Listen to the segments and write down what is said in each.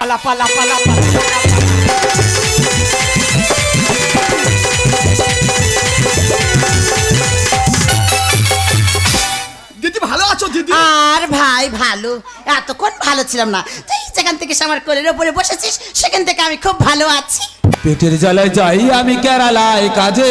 পালা পালা পালা পালা। দিদি ভালো আছো দিদি? আর ভাই ভালো, এতক্ষণ ভালো ছিলাম না, তুই যেখান থেকে আমার কোলের ওপরে বসেছিস সেখান থেকে আমি খুব ভালো আছি। পেটের জ্বালায় যাই আমি কেরালায় কাজে,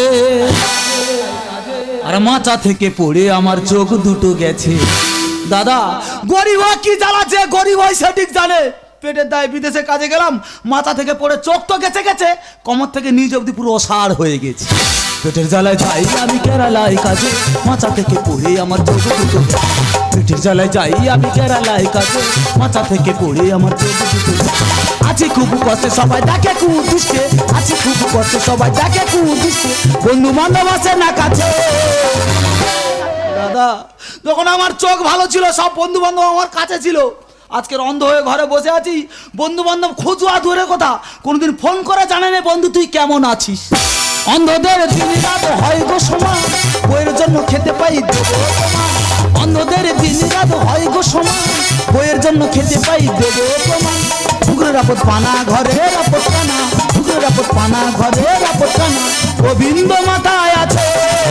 আর মাচা থেকে পড়ে আমার চোখ দুটো গেছে। দাদা, গরিব হয় কি জ্বালাচ্ছে, গরিব হয় সঠিক জানে। পেটের দায় বিদেশে কাজে গেলাম, মাথা থেকে পড়ে চোখ তো গেছে গেছে, কমর থেকে নিজ অব্দি পুরো অসাড় হয়ে গেছে। পেটের জ্বালায় যাই আমি কেরালায় কাজে, মাথা থেকে পড়ে আমার চোখ দুটো। পেটের জ্বালায় যাই আমি কেরালায় কাজে, মাথা থেকে পড়ে আমার চোখ দুটো। আছি খুব কষ্টে সবাই দেখে কুদুষ্টে, আছি খুব কষ্টে সবাই দেখে কুদুষ্টে, বন্ধু বান্ধব আছে না কাছে। দাদা, যখন আমার চোখ ভালো ছিল সব বন্ধু বান্ধব আমার কাছে ছিল, আজকের অন্ধ হয়ে ঘরে বসে আছি, বন্ধু বান্ধব খোঁজুয়া দূরে কথা, কোনদিন ফোন করে জানে না বন্ধু তুই কেমন আছিস। অন্ধদের দিন রাত হয় গো সমান, বইয়ের জন্য খেতে পাই দেবো প্রমাণ। অন্ধদের দিন রাত হয় গো সমান, বইয়ের জন্য খেতে পাই দেবো প্রমাণ। পুকুরের আপদ পানা ঘরের আপদ পানা, পুকুরের আপদ পানা ঘরের আপদ পানা, গোবিন্দ মাথায় আছে।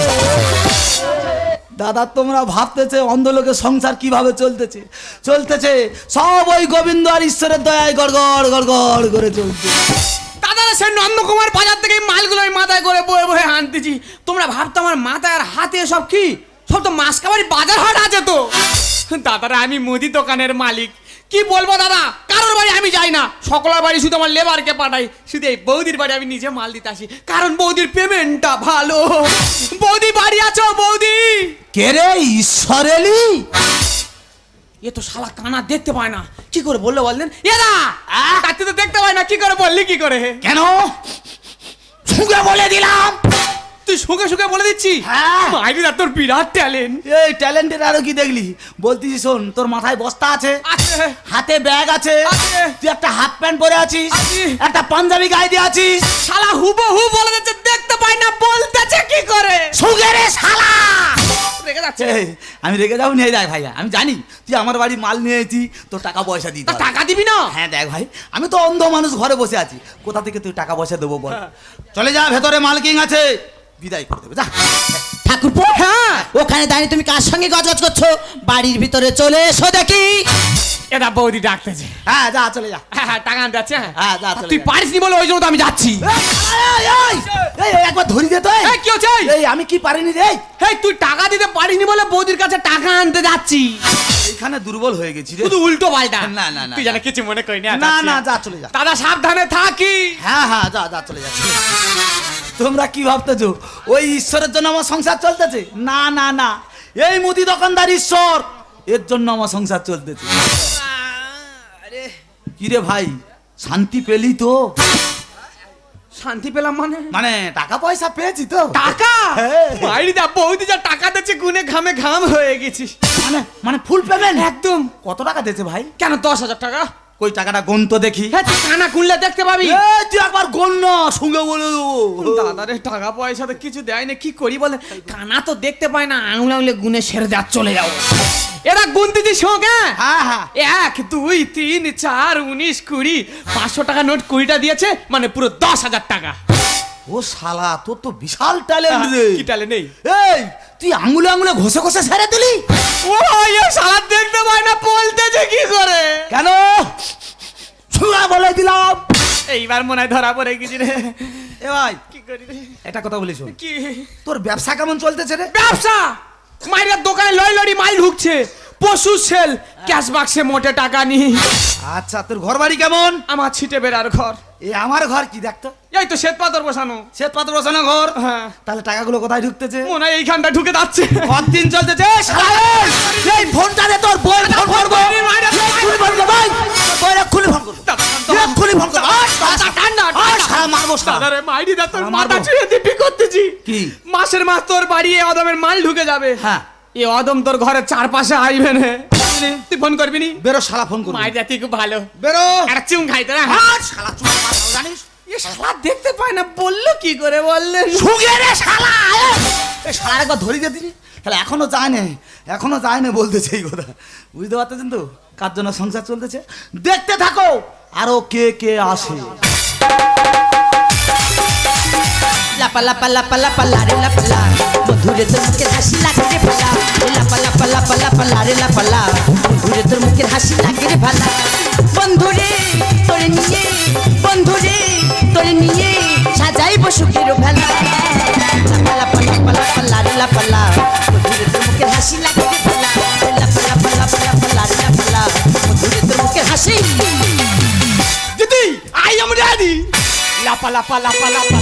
দাদা, তোমরা ভাবতেছে অন্ধ লোকের সংসার কিভাবে চলতেছে, চলতেছে সব ওই গোবিন্দ আর ঈশ্বরের দয়ায় গড়গড় গড়গড় করে চলছে। দাদা, সে নন্দকুমার বাজার থেকে মালগুলো আমি মাথায় করে বয়ে বয়ে আনতেছি। তোমরা ভাবতো আমার মাথায় আর হাতে সব কি, সব তো মাসকাবাড়ি বাজার হাট আছে তো। দাদারা, আমি মুদি দোকানের মালিক, কি বলবো দাদা, কারোর বাড়ি আমি যাই না, সকলের বাড়ি শুধু আমার লেবারকে পাঠাই। শুধু এই বৌদির বাড়ি আমি নিজে মাল দিতে আসি, কারণ বৌদির পেমেন্টটা ভালো। বৌদি বাড়ি আছো? বৌদি কে রে, ঈশ্বর এলি? এ তো শালা কানা দেখতে পায় না, কি করে বললো বললেন? এরা তাতে তো দেখতে পায় না, কি করে বললি? কি করে কেন শুকে বলে দিলাম? তুই শুকে শুকে বলে দিচ্ছি? হ্যাঁ। মাইরিদা, তোর বিরাট ট্যালেন্ট। এই ট্যালেন্টের আরো কি দেখলি? বলতিস শোন, তোর মাথায় বস্তা আছে, আছে। হাতে ব্যাগ আছে, আছে। তুই একটা হাফ প্যান্ট পরে আছিস, আছি। একটা পাঞ্জাবি গায়ে দিয়ে আছিস। শালা হুবহু বলে দিচ্ছে, দেখতে পাই না, বলতেছে কি করে? শুকে রে শালা! রেগে যাচ্ছে। এই, আমি রেগে যাবো নিয়ে দেখ ভাইয়া, আমি জানি তুই আমার বাড়ি মাল নিয়ে এসেছি, তোর টাকা পয়সা দিতে তা হবে। টাকা দিবি না? হ্যাঁ দেখ ভাই, আমি তো অন্ধ মানুষ, ঘরে বসে আছি, কোথা থেকে তুই টাকা পয়সা দেবো বল? চলে যা, ভেতরে মালকিং আছে, বিদায় করে দেবে, যা। ঠাকুরপো, হ্যাঁ। ওখানে দাঁড়িয়ে তুমি কার সঙ্গে গজগজ করছো? বাড়ির ভিতরে চলে এসো দেখি। এটা বৌদি ডাকতেছে। হ্যাঁ যা, চলে যা। হ্যাঁ হ্যাঁ, টাকা আনতে যাচ্ছে। হ্যাঁ, যা, চলে তুই যা। পারিসনি বলে ওই জন্য তো আমি যাচ্ছি। এই, একবার ধরি দে তো। এই, কি হচ্ছে? এই, আমি কি পারিনি রে? এই, তুই টাকা দিতে পারিসনি বলে বৌদির কাছে টাকা আনতে যাচ্ছি। এইখানে দুর্বল হয়ে গেছি রে। শুধু উল্টো পাল্টা। না, না, না, তুই জানা কিছু মনে করিনি। না না, যা, চলে যা। দাদা, সাবধানে থাকি। হ্যাঁ হ্যাঁ, যা যা, চলে যা, চলে যা। তোমরা কি ভাবতেছো ওই ঈশ্বরের জন্য আমার সংসার চলতেছে? না না না, এই মুদি দোকানদার ঈশ্বর, এর জন্য আমার সংসার চলতেছে। আরে, কি রে ভাই, শান্তি পেলি তো? শান্তি পেলাম মানে? মানে টাকা পয়সা পেয়েছি তো। টাকা? হ্যাঁ। মাইরিদা, বৌদি যা টাকা দিচ্ছে, গুনে ঘামে ঘাম হয়ে গেছিস। মানে মানে ফুল পেমেন্ট? একদম। কত টাকা দিয়েছে ভাই? কেন, 10,000 টাকা? কই টাকাটা গুন তো দেখি। হ্যাঁ, তুই কানা খুললে দেখতে পাবি। এই, তুই একবার গুন না, সঙ্গে বলে দেবো। দাদারে, টাকা পয়সা তো কিছু দেয় না, কি করি বলে? কানা তো দেখতে পায় না, আঙুল আঙুলে গুনে সেরে যা, চলে যাও। এরা গুনতেছি সঙ্গে। হ্যাঁ হ্যাঁ। 1 2 3 4 19 20, 500 টাকা নোট 20টা দিয়েছে, মানে পুরো 10,000 টাকা। ও শালা, তোর তো বিশাল ট্যালেন্ট রে। কি টালে নেই? এই, তুই আঙুলে আঙুলে ঘষে ঘষে ছেড়ে দিলি? ও, এ শালা দেখতে পায় না, বলতেছে কি করে? কেন ছুঁড়া বলে দিলাম। এইবার মনে হয় ধরা পড়ে গেছি রে। এ ভাই, কি করি রে? একটা কথা বলিস, কি তোর ব্যবসা কেমন চলতেছে রে? ব্যবসা? মাইরের দোকানে লড়ি লড়ি মাল ঢুকছে, পশু সেল, ক্যাশ বাক্সে মোটে টাকা নেই। আচ্ছা, তোর ঘর বাড়ি কেমন? আমার ছিটে বেড়ার ঘর। এ আমার ঘর কি দেখতো, এই তো শ্বেত পাথর বসানো। শ্বেত পাথর বসানো ঘর। হ্যাঁ, তাহলে টাকাগুলো কোথায় ঢুকতেছে? মনে হয় এইখানটা ঢুকে যাচ্ছে। কতদিন চলতেছে? এই শালা, এই ফোনটা দে, তোর বই ফোন করবো। খুলি ফোন করবো, বইরা খুলি ফোন করবো, খুলি ফোন করবো। শালা মারবো শালা। দাদারে, মাইরি দা, তোর শালা মাথা মারবো। ছুঁয়ে দিবি করতেছি। কি? মাসের মাস তোর বাড়ি এ অদমের মাল ঢুকে যাবে। হ্যাঁ। এ অদম তোর ঘরের চারপাশে আইবে না। তুই ফোন করবি নি? বেরো শালা, ফোন করবো। মাইরি দা, তুই খুব ভালো। বেরো। একটা চুম খাইতে না। শালা চুপ কর, জানিস? এ শালা দেখতে পায় না, বললো কি করে বললেন? শুগে রে শালা। এই শালা একবার ধরি দিয়ে দিনি, তাহলে এখনো যায় না বলতেছে এই কথা, বুঝতে পারতেছেন তো কার জন্য সংসার চলতেছে। দেখতে থাকো আরো কে কে আসে। লাপা লাপা লাপা লাপা লারে লাপা লা, বন্ধুরে তোর মুখের হাসি লাগে রে ভালা। লাপা লাপা লাপা লাপা লারে লাপা লা, বন্ধুরে তোর মুখের হাসি লাগে রে ভালা। বন্ধুরে তোরে নিয়ে, বন্ধুরে তোরে নিয়ে সাজাইব সুখের ভেলা। লাপা লাপা লাপা লাপা লারে লাপা লা, বন্ধুরে তোর মুখের হাসি লাগে রে ভালা। লাপা লাপা লাপা লাপা লারে লাপা লা, বন্ধুরে তোর মুখের হাসি। দিদি আই এম রেডি। লাপা লাপা লাপা লাপা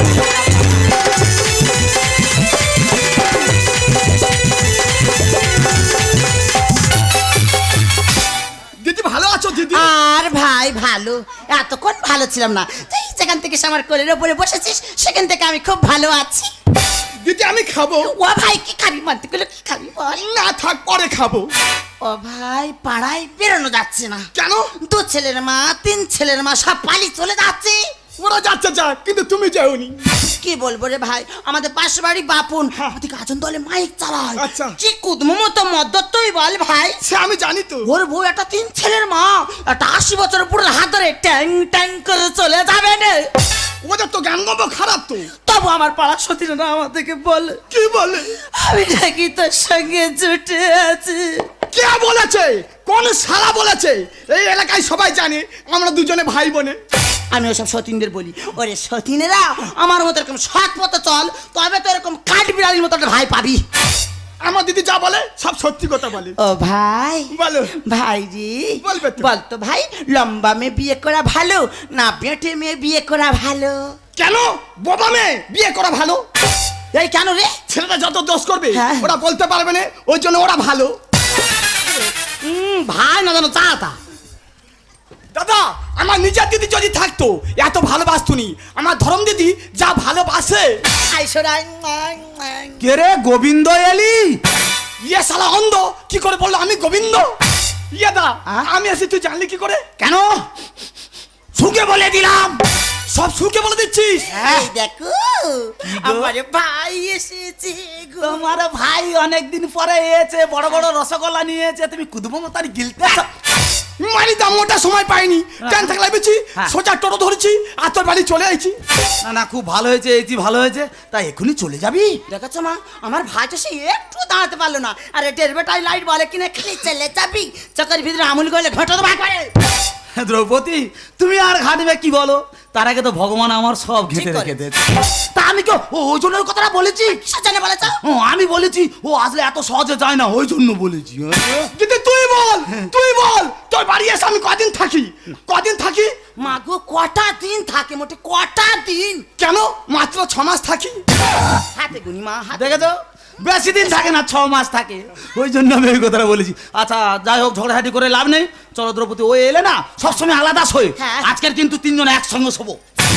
দিদি ভালো আছো দিদি? আর ভাই ভালো, এতক্ষণ ভালো ছিলাম না, তুই যেখান থেকে আমার কোলের ওপরে বসেছিস সেখান থেকে আমি খুব ভালো আছি। দিদি আমি খাবো। ও ভাই কি খাবি, মানতে গেলে কি খাবি বল? না থাক পরে খাবো। ও ভাই পাড়ায় বেরোনো যাচ্ছে না। কেন? 2 ছেলের মা 3 ছেলের মা সব পালি চলে যাচ্ছে। ওরা যাচ্ছে যাক, কিন্তু তুমি যাওনি। কি বলবো রে ভাই, আমাদের পাশের বাড়ি বাপুন ওদিকে আজন দলে মাইক চালায়। আচ্ছা। কি কুদমো মতো মদ্দত তুই বল ভাই। সে আমি জানি তো। ওর বউ একটা 3 ছেলের মা, একটা 80 বছর পুরো হাত ধরে ট্যাং ট্যাং করে চলে যাবে না। ওদের তো জ্ঞান গম্ভ খারাপ তো। তবু আমার পাড়া সতীরা আমাদেরকে বলে, কি বলে? আমি নাকি তোর সঙ্গে জুটে আছি। কে বলেছে? কোন শালা বলেছে? এই এলাকায় সবাই জানে আমরা দুজনে ভাই বোনে। আমি ওসব সতীনদের বলি, ওরে সতীনেরা আমার মতো এরকম সৎ পথে চল, তবে তো এরকম কাঠ বিড়ালির মতো একটা ভাই পাবি। আমার দিদি যা বলে সব সত্যি কথা বলে। ও ভাই বলো। ভাই জি বলবে তো। বলতো ভাই, লম্বা মেয়ে বিয়ে করা ভালো না বেটে মেয়ে বিয়ে করা ভালো? কেন? বোবা মেয়ে বিয়ে করা ভালো। এই কেন রে? ছেলেটা যত দোষ করবে হ্যাঁ। ওরা বলতে পারবে না, ওই জন্য ওরা ভালো। ভাই না জানো চাতা। দাদা আমার নিজের দিদি যদি থাকতো এত ভালোবাসতুনি। আমার ধরম দিদি যা ভালোবাসে। আইসরাই কে রে গোবিন্দ এলি? ইয়ে শালা অন্ধ কি করে বললো আমি গোবিন্দ? ইয়ে দা হ্যাঁ? আমি এসে তুই জানলি কি করে? কেন? সুখে বলে দিলাম। সব সুখে বলে দিচ্ছিস? এই দেখো আমার ভাই এসেছে গো। তোমার ভাই অনেকদিন পরে এসেছে, বড় বড় রসগোল্লা নিয়েছে, তুমি কুদবো তার গিলতে মারি দাম ওটা সময় পাইনি। ট্রেন থেকে লাইবেছি, হ্যাঁ। সোজা টোটো ধরেছি আর তোর বাড়ি চলে আইছি। না না খুব ভালো হয়েছে, এই ভালো হয়েছে, তাই এখনই চলে যাবি? দেখেছো মা, আমার ভাইটা সে একটু দাঁড়াতে পারলো না, আর টেরবেটাই লাইট বলে কিনা খালি চলে যাবি, চকের ভিতরে আমুল গলে ঘটো তো ভাগ করে। দ্রৌপদী তুমি আর ঘাটবে কি বলো? তার আগে তো ভগবান আমার সব ঘেঁটে ঠিক করে। রেখে দিয়েছে। তা আমি কি ওই জন্য ওই কথাটা বলেছি? সাজানে বলেছ? ও আমি বলেছি ও আসলে এত সহজে যায় না, ওই জন্য বলেছি। দিদি তুই বল, তুই বল তোর বাড়ি এসে আমি কদিন থাকি? কদিন থাকি? মা গো কটা দিন থাকে, মোটে কটা দিন? কেন? মাত্র 6 মাস থাকি। হাতে গুনি মা, হাতে। দেখেছো বেশি দিন থাকে না, 6 মাস থাকে, ওই জন্য আমি ওই কথাটা বলেছি। আচ্ছা যাই হোক, ঝগড়াঝাটি করে লাভ নেই, চলো দ্রৌপদী ও এলে না সবসময় আলাদা শোয়, হ্যাঁ। আজকের কিন্তু 3 জন একসঙ্গে শোবো।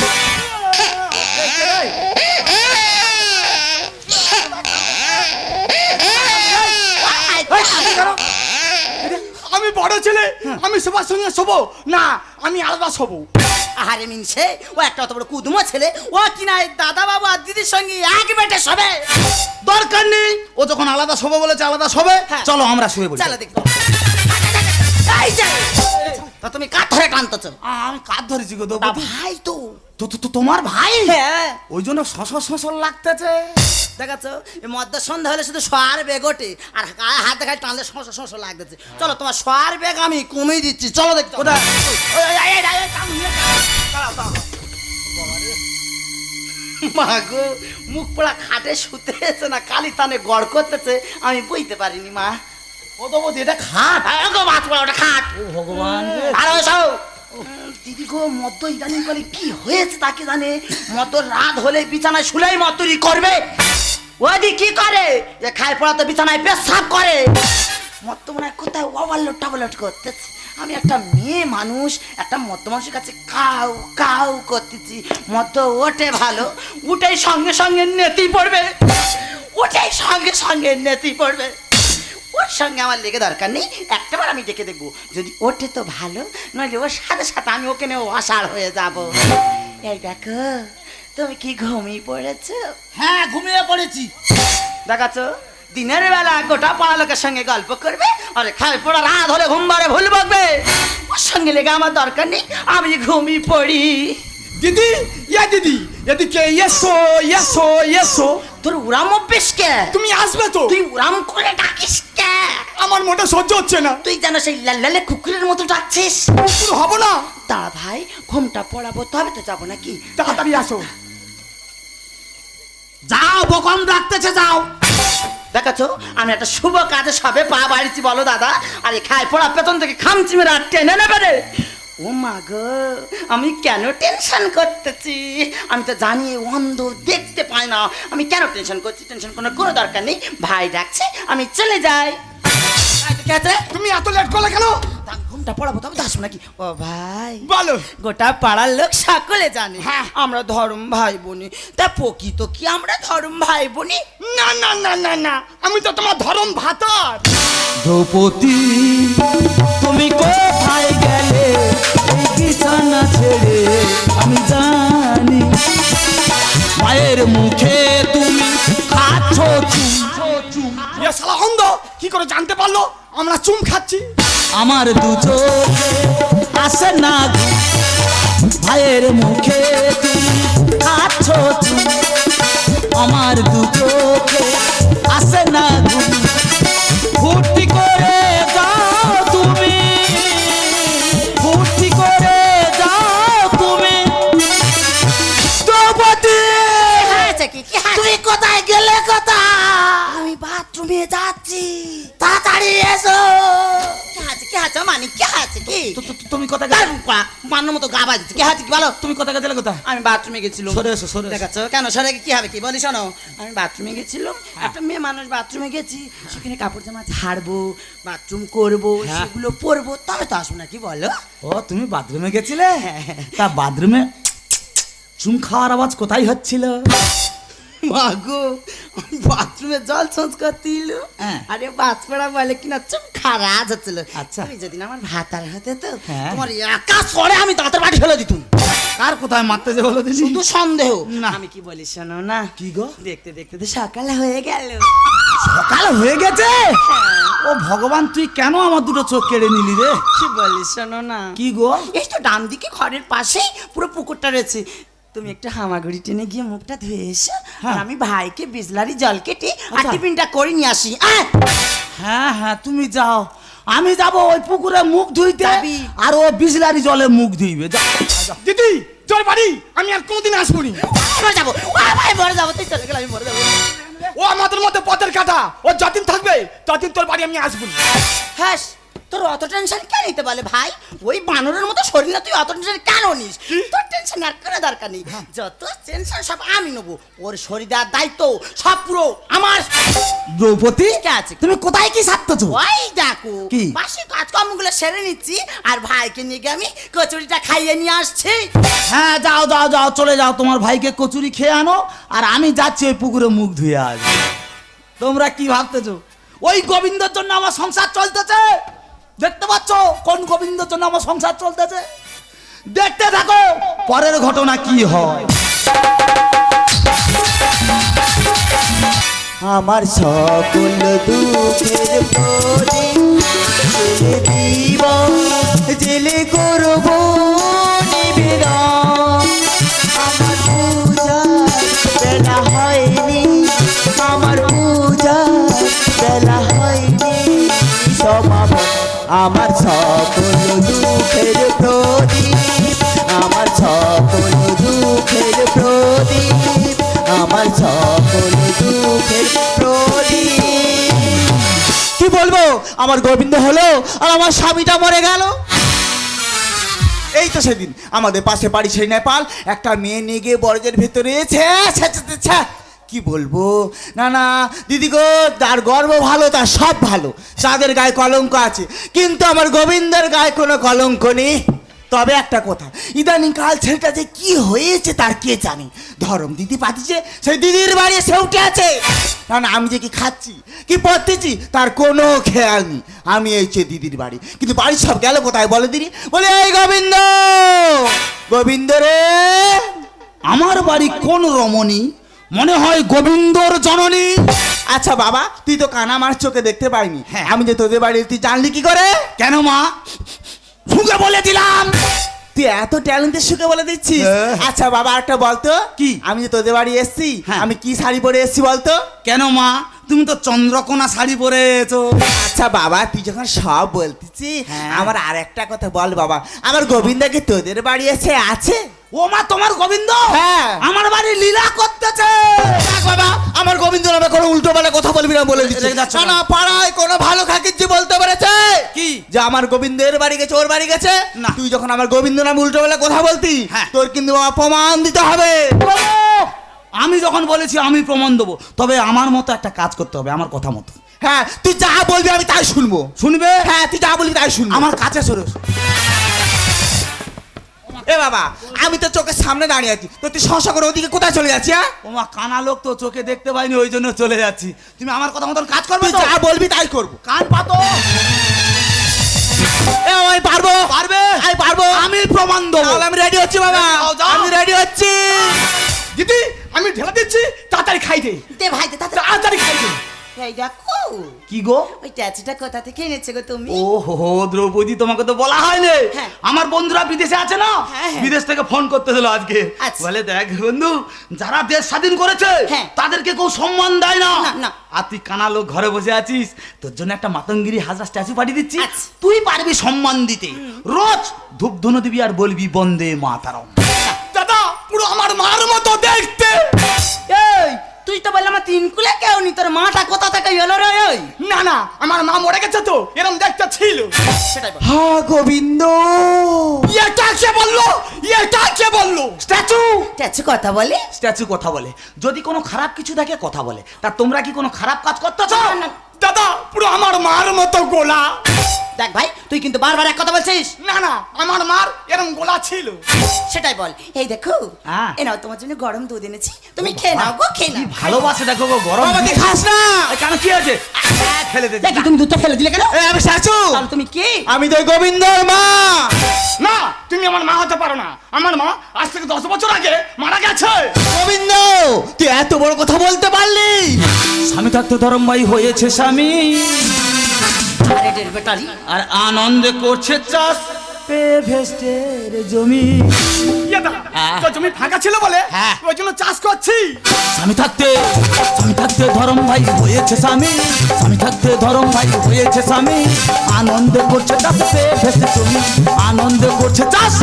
আমি বড় ছেলে, আমি সবার সঙ্গে শোবো না, আমি আলাদা শোবো। আহারে মিনছে, ও একটা অত বড় কুদুমো ছেলে, ও কিনা এই দাদা বাবু আর দিদির সঙ্গে এক বেটে শোবে। দরকার নেই, ও যখন আলাদা শোবে বলেছে আলাদা শোবে, হ্যাঁ। চলো আমরা শুয়ে বলি। চলো দেখো। এই যে, তা তুমি কাঠ ধরে টানতেছো? আমি কাঁধ ধরেছি গো তা দ্রৌপদী। ভাই তো। তো তোমার ভাই? হ্যাঁ ওই জন্য শশর লাগতেছে। দেখাচ্ছ, এই মদ্য সন্ধ্যা হলে শুধু সোয়ার বেগ ওঠে, আর গায়ে হাত দেখায় টানলে সমস্যা লাগতেছে। চলো তোমার সোয়ার বেগ আমি কমিয়ে দিচ্ছি, চলো দেখতে। কোথায়? মা গো, মুখ পোড়া খাটে শুতেছে না, কালি টানে গড় করতেছে, আমি বইতে পারিনি মা। ও দ্রৌপদী এটা খাট। মাছ পোড়া ওটা খাট। ও ভগবান রে। আর ওই সব দিদি গো, মদ্য ইদানিং করে কি হয়েছে তাকে জানে, মদ্য রাত হলে বিছানায় শুলেই মদ্যরি করবে। ওদি কি করে, যে খায় পড়া তো বিছানায় পেশাব করে। মদ্য মনে হয় কোথায় ওভারলোড টাবলোড করতেছে। আমি একটা মেয়ে মানুষ, একটা মদ্য মানুষের কাছে কাউ কাউ করতেছি। মদ্য ওঠে ভালো, উঠেই সঙ্গে সঙ্গে নেতি পড়বে, উঠেই সঙ্গে সঙ্গে নেতি পড়বে। ওর সঙ্গে আমার লেগে দরকার নেই, একটাবার আমি ডেকে দেখবো, যদি ওঠে তো ভালো, নইলে ওর সাথে সাথে আমি ওকে নিয়ে অসাড় হয়ে যাব। এই দেখো, তুমি কি ঘুমিয়ে পড়েছো? হ্যাঁ ঘুমিয়ে পড়েছি। দেখাচ্ছ, দিনের বেলা গোটা পাড়া লোকের সঙ্গে গল্প করবে আর খাই পড়া রাত হলে ঘুম বারে ভুল বকবে। ওর সঙ্গে লেগে আমার দরকার নেই, আমি ঘুমিয়ে পড়ি। দিদি দিদি এদিকে এসো এসো এসো। তোর উড়াম অভ্যেস কে? তুমি আসবে তো? তুই উড়াম করে ডাকিস কে? আমার মোটা সহ্য হচ্ছে না। তুই যেন সেই লালে কুকুরের মতো ডাকছিস। কুকুর হবো না। দাঁড়া ভাই, ঘুমটা পড়াবো তবে তো যাবো নাকি? তাড়াতাড়ি আসো। যাও, বকম ডাকতেছে, যাও। দেখাছো আমি একটা শুভ কাজে সবে পা বাড়িছি, বলো দাদা। আরে খাই পড়া পেছন থেকে খামচি মেরে আর টেনে নেবে রে। ও মা গো, আমি কেন টেনশন করতেছি? আমি তো জানি অন্ধ, দেখতে পাই না। আমি কেন টেনশন করছি? টেনশন কোনো দরকার নেই। ভাই ডাকছে, আমি চলে যাই। তুমি এত লেট করলে কেন? ঘুমটা পড়াবো তবে তো আসবো নাকি? ও ভাই বলো। গোটা পাড়ার লোক সকলে জানে হ্যাঁ। আমরা ধর্ম ভাই বোনি। তা প্রকৃত কি আমরা ধর্ম ভাই বোনি? না না না না না, আমি তো তোমার ধরম ভাতার। দ্রৌপদী, তুমি কোথায় গেলে এই বিছানা ছেড়ে? আমি জানি মায়ের মুখে তুমি খাচ্ছ চুম। এ শালা অন্ধ কি করে জানতে পারলো আমরা চুম খাচ্ছি? আমার দু চোখে আসে না ঘুম, ভাইয়ের মুখে তুমি খাচ্ছ চুম। আমার দু চোখে আসে না ঘুম, ফুর্তি করে যাও তুমি, ফুর্তি করে যাও তুমি। দ্রৌপদী, তুই কোথায় গেলে? কোথায়? আমি বাথরুমে যাচ্ছি, তাড়াতাড়ি এসো। কে আছে মানে কে আছে কি? তুমি কোথায় গেলে? মান্নার মতো গা বাজছে। কে আছে কি বলো? তুমি কোথায় গেলে? কোথায়? আমি বাথরুমে গেছিলাম। সরে এসো, সরে এসো। দেখাচ্ছ কেন? সরে কি হবে কি? বলি শোনো, আমি বাথরুমে গেছিলাম। একটা মেয়ে মানুষ বাথরুমে গেছি, সেখানে কাপড় জামা ছাড়বো, বাথরুম করবো, সেগুলো পরবো, তবে তো আসবো না কি বলো? ও, তুমি বাথরুমে গেছিলে? তা বাথরুমে চুম খাওয়ার আওয়াজ কোথায় হচ্ছিল? মাগো, বাথরুমে জল চেঞ্জ করতে এলো। হ্যাঁ। আরে বাথপড়া বলে কিনা চুপ খারাজ হচ্ছিল। আচ্ছা। তুমি যেদিন আমার ভাতার হতে তো হ্যাঁ। তোমার একা সরে আমি দাঁতের বাড়ি ফেলে দিতুম। কার কোথায় মারতে যে বলো দিদি? শুধু সন্দেহ না। আমি কি বলি শোনো না। কি গো? দেখতে দেখতে তো সকাল হয়ে গেল। সকাল হয়ে গেছে? ও ভগবান, তুই কেন আমার দুটো চোখ কেড়ে নিলি রে? কি বলি শোনো না। কি গো? এই তো ডান দিকে ঘরের পাশেই পুরো পুকুরটা রয়েছে। তুমি একটু হামাগুড়ি টেনে গিয়ে মুখটা ধুয়ে এসো। আর আমি ভাইকে বিজলারি জল কেটে আর আচ্ছা। টিফিনটা করে নিয়ে আসি। হ্যাঁ হ্যাঁ, তুমি যাও, আমি যাব ওই পুকুরে মুখ ধুইতে, যাবি? আর ও বিজলারি জলে মুখ ধুইবে। যাও। দিদি তোর বাড়ি আমি আর কোনোদিন আসবো নি। মরে যাবো, ও ভাই মরে যাবো। তুই চলে গেলে আমি মরে যাবো। ও আমাদের মধ্যে পথের কাটা, ও যতদিন থাকবে ততদিন তোর বাড়ি আমি আসবো না। হ্যাঁ, তোর অত টেনশন কেন নিতে বলে ভাই? ওই বানরের মতো শরীর না, তুই অত টেনশন কেন নিস? তোর টেনশন আর কোনো দরকার নেই। যত টেনশন সব আমি নেবো। ওর শরীর দেওয়ার দায়িত্ব সব পুরো আমার। দ্রৌপদী, কে আছে? তুমি কোথায় কি সারতেছো? ওই দেখো কি? বাসি কাজকর্মগুলো সেরে নিচ্ছি, আর ভাইকে নিয়ে গিয়ে আমি কচুরিটা খাইয়ে নিয়ে আসছি। হ্যাঁ, যাও যাও যাও, চলে যাও, তোমার ভাইকে কচুরি খেয়ে আনো, আর আমি যাচ্ছি ওই পুকুরে মুখ ধুয়ে আসবো। তোমরা কি ভাবতেছো ওই গোবিন্দর জন্য আমার সংসার চলতেছে? দেখতে পাচ্ছ কোন গোবিন্দর জন্য আমার সংসার চলতেছে? দেখতে থাকো পরের ঘটনা কি হয়। আমার সকল দুঃখের প্রদীপ জেলে দিব, জেলে করব নিবেদন। আমার পূজা বেলা হয়নি, আমার পূজা বেলা হয়নি সমাপন। আমার সকল দুঃখের প্রদীপ, আমার সকল দুঃখের প্রদীপ, আমার সকল দুঃখের প্রদীপ। কি বলবো, আমার গোবিন্দ হলো আর আমার স্বামীটা মরে গেল। এই তো সেদিন আমাদের পাশে বাড়ি সেই নেপাল একটা মেয়ে নিয়ে গিয়ে বরজের ভেতরে কি বলবো, না না দিদি গো, তার গর্ব ভালো, তার সব ভালো, তাদের গায়ে কলঙ্ক আছে, কিন্তু আমার গোবিন্দের গায়ে কোনো কলঙ্ক নেই। তবে একটা কথা, ইদানিং কাল ছেলেটা যে কি হয়েছে তার কে জানে। ধরম দিদি পাঠিয়েছে, সেই দিদির বাড়ি সে উঠে আছে। না না, আমি যে কি খাচ্ছি কি পড়তেছি তার কোনো খেয়াল নেই। আমি এই যে দিদির বাড়ি, কিন্তু বাড়ি সব গেল কোথায় বলে দিদি? বলে এই গোবিন্দ, গোবিন্দ রে। আমার বাড়ি কোন রমণী? মনে হয় গোবিন্দর জননী। আচ্ছা বাবা, তুই তো কানা আমার চোখে দেখতে পাইনি, হ্যাঁ। আমি যে তোদের বাড়ি তুই জানলি কি করে? কেন মা? সুখে বলে দিলাম। তুই এত ট্যালেন্টের সুখে বলে দিচ্ছিস? হ্যাঁ। আচ্ছা বাবা, একটা বলতো, কি? আমি যে তোদের বাড়ি এসছি, হ্যাঁ। আমি কি শাড়ি পরে এসছি বলতো? কেন মা, তুমি তো চন্দ্রকোনা শাড়ি পরেছো। আচ্ছা বাবা, তুই যখন সব বলতেছি, হ্যাঁ। আমার আর একটা কথা বল বাবা, আমার গোবিন্দাকে তোদের বাড়ি এসে আছে? ও মা, তোমার গোবিন্দ হ্যাঁ। আমার বাড়ি লীলা করতেছে। দেখ বাবা, আমার গোবিন্দ নামে কোনো উল্টো পাল্টা কথা বলবি না বলে দিচ্ছি। রেগে যাচ্ছ না কেন? না, পাড়ায় কোনো ভালো খাকিরজি বলতে পেরেছে কি? যে আমার গোবিন্দের বাড়ি গেছে, ওর বাড়ি গেছে না। তুই যখন আমার গোবিন্দ নামে উল্টো পাল্টা কথা বলতি, হ্যাঁ। তোর কিন্তু অপমান দিতে হবে। আমি যখন বলেছি আমি প্রমাণ দেবো, তবে আমার মতো একটা কাজ করতে হবে, আমার কথা মতো। হ্যাঁ, তুই যা বলবি আমি তাই শুনবো। শুনবে? হ্যাঁ, তুই যা বলবি তাই শুনবো। আমার কাছে সরে এসো। এ বাবা, আমি তো চোখের সামনে দাঁড়িয়ে আছি, তো তুই শশা করে ওদিকে কোথায় চলে যাচ্ছি? হ্যাঁ, ও মা, কানা লোক তো, চোখে দেখতে পাইনি, ওই জন্য চলে যাচ্ছি। তুমি আমার কথা মতন কাজ করবে তুই তো? যা বলবি তাই করবো। কান পাতো। এ আমি পারবো, পারবে? আমি পারবো। আমি প্রমাণ দেবো। তাহলে আমি রেডি হচ্ছি বাবা, যাও, যাও। আমি রেডি হচ্ছি। দিদি আমি ঢেলা দিচ্ছি, তাড়াতাড়ি খাই দে, দে ভাই দে তাতে। তাড়াতাড়ি খাই দে। এই দেখো কি গো? ওই ট্যাচুটা কোথা থেকে এনেছে গো তুমি? ও হো, দ্রৌপদী, তোমাকে তো বলা হয়নি। হ্যাঁ। আমার বন্ধুরা বিদেশে আছে না, হ্যাঁ, হ্যাঁ। বিদেশ থেকে ফোন করতে দিল আজকে। আচ্ছা। বলে, দেখ বন্ধু, যারা দেশ স্বাধীন করেছে হ্যাঁ। তাদেরকে কেউ সম্মান দেয় না। না, না। আর তুই কানা লোক ঘরে বসে আছিস, তোর জন্য একটা মাতঙ্গিরি হাজরা স্ট্যাচু পাঠিয়ে দিচ্ছি। আচ্ছা। তুই পারবি সম্মান দিতে। রোজ ধূপ ধুনো দিবি আর বলবি বন্দে মাতারম। দাদা পুরো আমার মার মতো দেখতে। এই তুই তো বললাম আমার তিন কুলে কেউ নি, তোর মাটা কোথা থেকে এলো রে? ওই না না, আমার মা মরে গেছে তো, এরম দেখতে ছিল। সেটাই বল। হ্যাঁ গোবিন্দ, এটা কে বললো? এটা কে বললো? স্ট্যাচু, ট্যাচু কথা বলে? স্ট্যাচু কথা বলে। যদি কোনো খারাপ কিছু থাকে কথা বলে। তা তোমরা কি কোনো খারাপ কাজ করতেছো? না, না। দাদা পুরো আমার মার মতো গোলা। দেখ ভাই, তুই কিন্তু বারবার এক কথা বলছিস। না না, আমার মার এরম গোলা ছিল। সেটাই বল। এই দেখো, হ্যাঁ। এ নাও তোমার জন্য গরম দুধ এনেছি, তুমি খেয়ে নাও গো, খেয়ে কি নাও। ভালোবাসে দেখো গো, গরম। বাবা তুই খাস না। এই, কেন কি আছে? ফেলে দে। দেখি তুমি দুধটা ফেলে দিলে কেন? এ আমি শাশু, তাহলে তুমি কি? আমি তো গোবিন্দর মা। না, তুমি আমার মা হতে পারো না। আমার মা আজ থেকে 10 বছর আগে মারা গেছে। গোবিন্দ, তুই এত বড় কথা বলতে পারলি? স্বামী থাকতে ধরম ভাই হয়েছে স্বামী, আরে ডের বেটারি, আর আনন্দে করছে চাষ পে ভেস্টের জমি। ইয়ে দাদা, তো জমি ফাঁকা ছিল বলে হ্যাঁ। ওই জন্য চাষ করছি। স্বামী থাকতে ধরম ভাই হয়েছে স্বামী, স্বামী থাকতে ধরম ভাই হয়েছে স্বামী, আনন্দে করছে চাষ পে ভেস্টের জমি, আনন্দে করছে চাষ।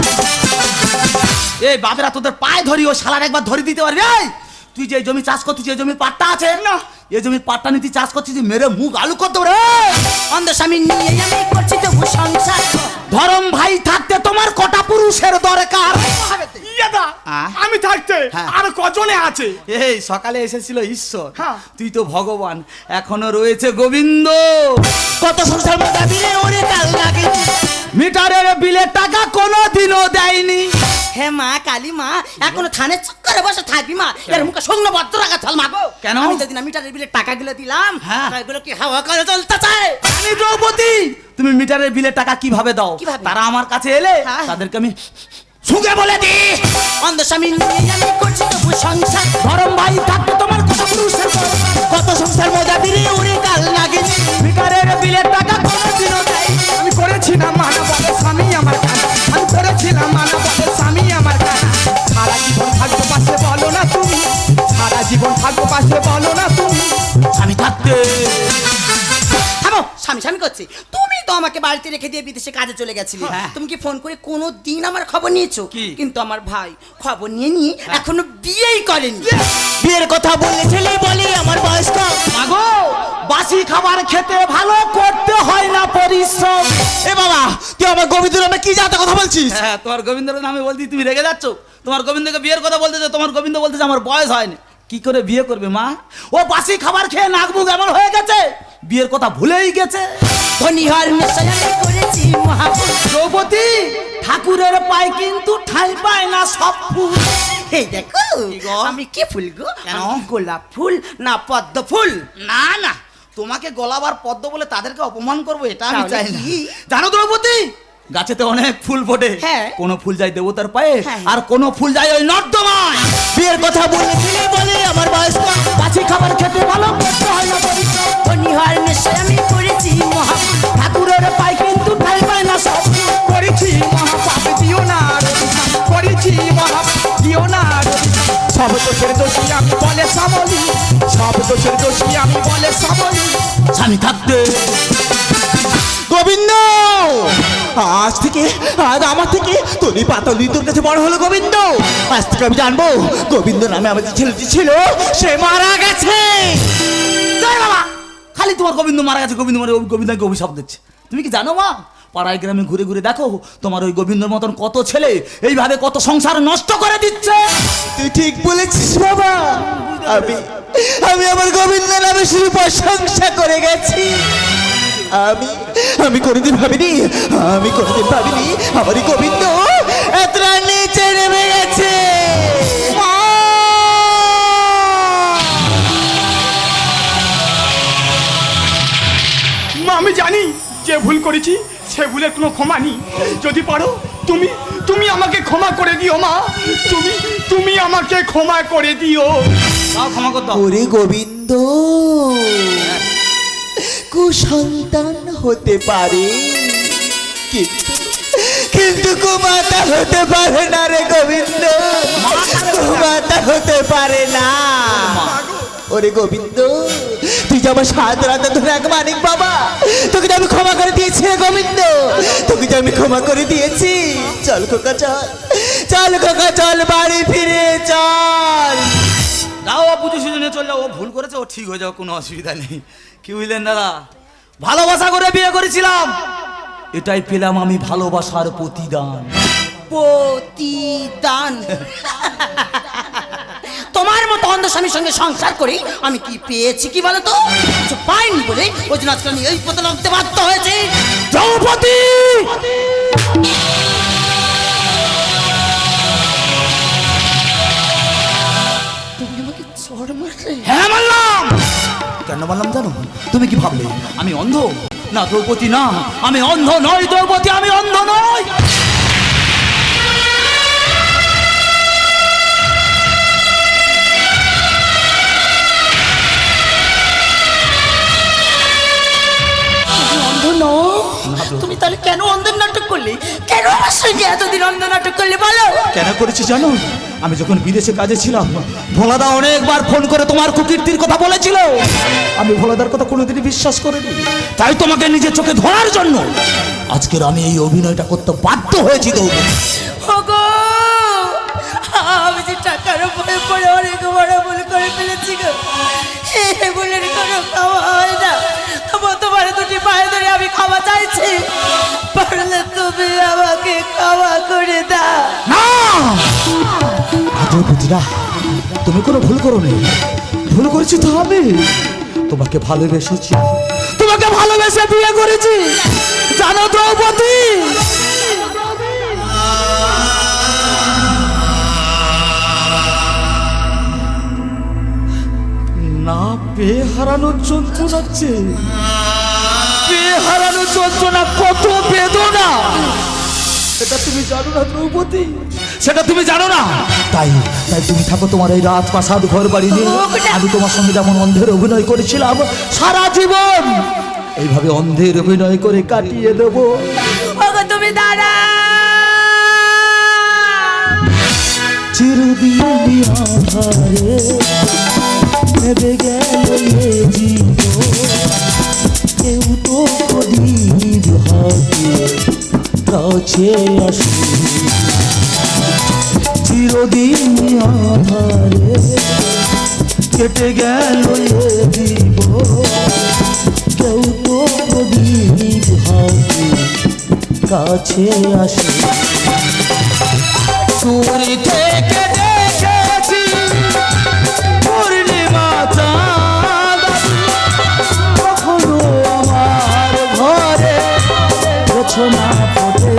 এই বাবেরা, তোদের পায়ে ধরি, ও শালার একবার ধরে দিতে পারবি? এই, তুই যে জমি চাষ করছিস, যে জমির পাট্টা আছে না, এই জমির পাট্টা নিতে চাষ করছিস, মেরে মুখ আলু করতে পারে। অন্ধ স্বামী নিয়ে আমি করছি তবু সংসার। ধরম ভাই থাকতে তোমার কটা পুরুষের দরকার? ইয়ে দা, আ? আমি থাকতে হ্যাঁ। আর কজনে আছে? এই সকালে এসেছিল ঈশ্বর, হ্যাঁ। তুই তো ভগবান, এখনো রয়েছে গোবিন্দ। কত সংসার মধ্যে দিলে ওরে কাল লাগে। মিটারের বিলের টাকা কোনোদিনও দেয়নি। হে মা কালী মা, এখনো থানের চক্করে বসে থাকবি মা? এর মুখে শূন্য বদ্ধ রাখা চল মা গো। কেন? আমি যেদিন মিটারের বিলের টাকাগুলো দিলাম, হ্যাঁ। এগুলো কি হাওয়া করে চলতে চায়? আমি দ্রৌপদী, তুমি মিটারের বিলের টাকা কিভাবে দাও? কিভাবে? তারা আমার কাছে এলে হ্যাঁ। তাদেরকে আমি সুখে বলে দি। অন্ধ স্বামী নিয়ে আমি করছি তবু সংসার। ধরম ভাই থাকতে তোমার কটা পুরুষের দরকার? কত সংসার মজা দিলে ওরে কাল লাগে। মিটারের বিলের টাকা কোনোদিনও দেয়নি। আমি করেছিলাম মানা বলে স্বামী আমার কানা, আমি করেছিলাম মানা বলে স্বামী আমার কানা। সারা জীবন থাকবো পাশে বলো না তুমি, সারা জীবন থাকবো পাশে বলো না তুমি। আমি থাকতে থামো, স্বামী স্বামী করছি। তুমি তো আমাকে বাড়িতে রেখে দিয়ে বিদেশে কাজে চলে গেছিলে। হ্যাঁ। তুমি কি ফোন করে কোনো দিন আমার খবর নিয়েছো? কি? কিন্তু আমার ভাই খবর নিয়ে এখনো বিয়েই করেনি। বিয়ের কথা বললে ছেলে বলে আমার বয়স কম। মাগো, বাসি খাবার খেতে ভালো করতে হয় না পরিশ্রম। এ বাবা, তুই আমার গোবিন্দ নামে কি জাতা কথা বলছিস? হ্যাঁ, তোমার গোবিন্দের নামে বলতে তুমি রেগে যাচ্ছ। তোমার গোবিন্দকে বিয়ের কথা বলতেছে, তোমার গোবিন্দ বলতেছে আমার বয়স হয়নি। কি করে বিয়ে করবে মা? ও বাসি খাবার খেয়ে নাক মুখ এমন হয়ে গেছে, বিয়ের কথা ভুলেই গেছে। ধনী হওয়ার নেশায় আমি করেছি মহাপুর। দ্রৌপদী, ঠাকুরের পায় কিন্তু ঠাঁই পায় না সব ফুল। এই দেখো, গো? আমি কি ফুল গো? কেন? আমি গোলাপ ফুল না পদ্ম ফুল? না না, তোমাকে গোলাবার পদ্ম বলে তাদেরকে অপমান করবো এটা আমি তাহলে চাই না। কি? জানো দ্রৌপদী, গাছেতে অনেক ফুল ফোটে, হ্যাঁ। কোনো ফুল যায় দেবতার পায়ে, হ্যাঁ। আর কোনো ফুল যায় ওই নর্দমায়। বিয়ের কথা বললে ছেলে বলে আমার বয়স কম। বাসি খাবার খেতে ভালো করতে হয় না আমি থাকতে। গোবিন্দ, আজ থেকে আজ আমার থেকে তোরই পাতলি তোর কাছে বড় হলো গোবিন্দ। আজ থেকে আমি জানবো গোবিন্দ নামে আমার যে ছেলেটি ছিল সে মারা গেছে। জয় বাবা, খালি তোমার গোবিন্দ মারা গেছে, গোবিন্দ মানে গোবিন্দকে অভিশাপ দিচ্ছে। তুমি কি জানো মা, পাড়ায় গ্রামে ঘুরে ঘুরে দেখো তোমার ওই গোবিন্দর মতন কত ছেলে এইভাবে কত সংসার নষ্ট করে দিচ্ছে। তুই ঠিক বলেছিস বাবা। আমি আমি আমার গোবিন্দ নামে শুধু প্রশংসা করে গেছি। আমি কোনোদিন ভাবিনি আমার এই গোবিন্দ এতটা নিচে নেমে গেছে। মা, আমি জানি যে ভুল করেছি সে ভুলের কোনো ক্ষমা নেই। যদি পারো তুমি তুমি আমাকে ক্ষমা করে দিও মা, তুমি আমাকে ক্ষমা করে দিও। তাও ক্ষমা করতে হবে। ওরে গোবিন্দ, কুসন্তান হতে পারে কিন্তু কুমাতা হতে পারে না রে গোবিন্দ, কুমাতা হতে পারে না। ওরে গোবিন্দ, তুই যে আমার সাত রাতে ধরে এক মানিক বাবা, তোকে যে আমি ক্ষমা করে দিয়েছি রে গোবিন্দ, তোকে যে আমি ক্ষমা করে দিয়েছি। চল খোকা চল, চল খোকা চল, বাড়ি ফিরে চল। যাও ও পুজো সুজনে চলে যাও, ও ভুল করেছে, ও ঠিক হয়ে যাও, কোনো অসুবিধা নেই। কি বুঝলেন দাদা, ভালোবাসা করে বিয়ে করেছিলাম, এটাই পেলাম আমি ভালোবাসার প্রতিদান। প্রতিদান? তোমার মতো অন্ধ স্বামীর সঙ্গে সংসার করে আমি কি পেয়েছি কি বলো তো? কিছু পাইনি বলে ওই জন্য আজকে আমি এই পথে নামতে বাধ্য হয়েছি। দ্রৌপদী, তুমি আমাকে চড় মারলে? হ্যাঁ মানলাম। কেন মানলাম জানো? তুমি কি ভাবলে আমি অন্ধ? না দ্রৌপদী, না আমি অন্ধ নই দ্রৌপদী, আমি অন্ধ নই। অন্ধ নও? তুমি তাহলে কেন অন্ধের নাটক করলে? কেন আমার সঙ্গে এতদিন অন্ধ নাটক করলে বলো? কেন করেছি জানো? আমি যখন বিদেশে কাজে ছিলাম, ভোলাদা অনেকবার ফোন করে তোমার কুকীর্তির কথা বলেছিল। আমি ভোলাদার কথা কোনোদিনই বিশ্বাস করিনি, তাই তোমাকে নিজের চোখে ধরার জন্য আজকের আমি এই অভিনয়টা করতে বাধ্য হয়েছি। ওগো, আমি যে টাকার উপরে পড়ে অনেক বড় ভুল করে ফেলেছি গো। এই ভুলের কোনো খাওয়া হয় না, তবু তোমার দুটি পায়ে ধরে আমি খাওয়া চাইছি। পারলে তুমি আমাকে খাওয়া করে দাও। না দ্রৌপদীরা, তুমি কোনো ভুল করো নি। ভুল করেছি তো আমি, তোমাকে ভালোবেসেছি, তোমাকে ভালোবেসে বিয়ে করেছি জানো দ্রৌপদী। না পেয়ে হারানোর যন্ত্রণাচ্ছে, পেয়ে হারানোর যন্ত্রণা কত বেদনা, সেটা তুমি জানো না দ্রৌপদী, সেটা তুমি জানো না। তাই তাই তুমি থাকো তোমার এই রাজপ্রাসাদ ঘর বাড়ি নিয়ে। আমি তোমার সঙ্গে যেমন অন্ধের অভিনয় করেছিলাম, সারা জীবন এইভাবে অন্ধের অভিনয় করে কাটিয়ে দেবো। ওগো তুমি দাঁড়া। চিরদিন আধারে নেবে গেল এ জীবন, কেউ তো প্রদীপ হাতে কাছে আসে। চিরদিন আধারে কেটে গেল এ জীবন, কেউ তো প্রদীপ হাতে কাছে আসে। দূরে থেকে দেখেছি পূর্ণিমা চাঁদ, কখনো আমার ঘরে রচনা ফোটে।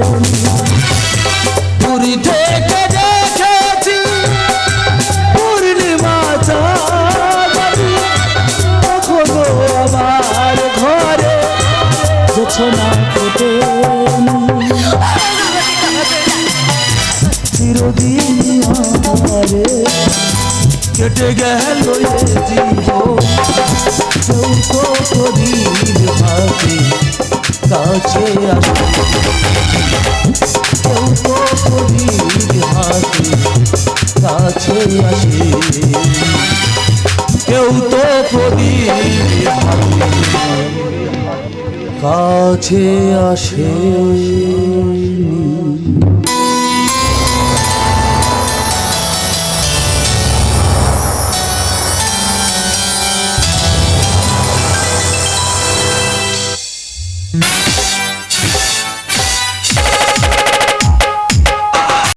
দূরে থেকে দেখেছি পূর্ণিমা চাঁদ, কখনো আমার ঘরে রচনা ফোটে। চিরদিন আধারে কেটে গেল এ জীবন, কেউ তো প্রদীপ হাতে কাছে আসে। কেউ তো প্রদীপ হাতে কাছে আসে, কেউ তো প্রদীপ হাতে কাছে আসেনি